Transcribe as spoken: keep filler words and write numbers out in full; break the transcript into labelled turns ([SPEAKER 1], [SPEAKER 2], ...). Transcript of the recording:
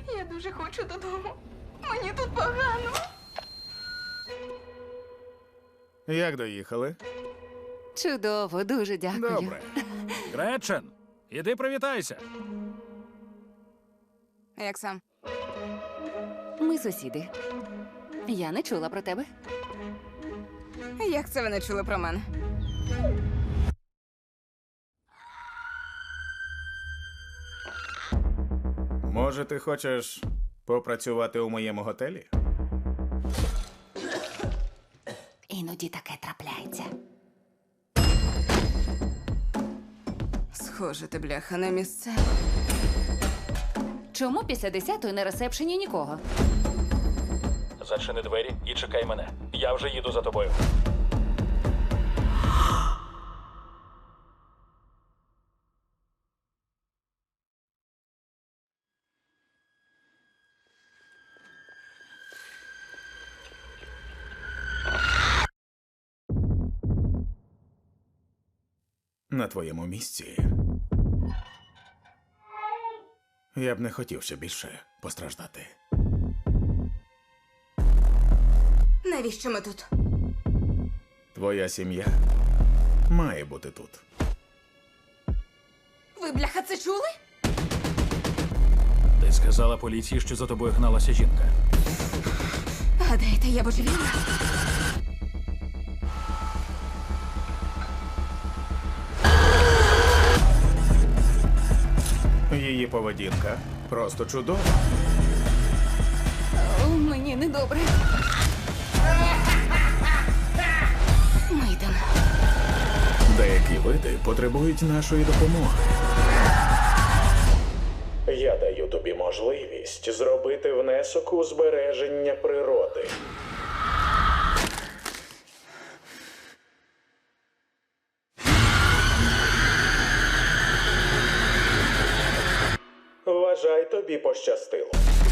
[SPEAKER 1] Я дуже хочу додому. Мені тут погано.
[SPEAKER 2] Як доїхали?
[SPEAKER 3] Чудово, дуже дякую.
[SPEAKER 2] Добре.
[SPEAKER 4] Гречен, іди привітайся.
[SPEAKER 1] Як сам?
[SPEAKER 3] Ми сусіди. Я не чула про тебе.
[SPEAKER 1] Як це ви не чули про мене?
[SPEAKER 2] Може, ти хочеш попрацювати у моєму готелі?
[SPEAKER 3] Іноді таке трапляється.
[SPEAKER 1] Схоже, ти бляха на місце.
[SPEAKER 3] Чому після десятої на ресепшені нікого?
[SPEAKER 4] Зачини двері і чекай мене. Я вже їду за тобою.
[SPEAKER 2] На твоєму місці. Я б не хотів ще більше постраждати.
[SPEAKER 1] Навіщо ми тут?
[SPEAKER 2] Твоя сім'я має бути тут.
[SPEAKER 1] Ви, бляха, це чули?
[SPEAKER 4] Ти сказала поліції, що за тобою гналася жінка.
[SPEAKER 1] Гадаєте, я божевільна?
[SPEAKER 2] Її поведінка просто чудова.
[SPEAKER 3] О, мені недобре.
[SPEAKER 1] Ми йдемо.
[SPEAKER 2] Деякі види потребують нашої допомоги. Я даю тобі можливість зробити внесок у збереження природи. Вважай, тобі пощастило.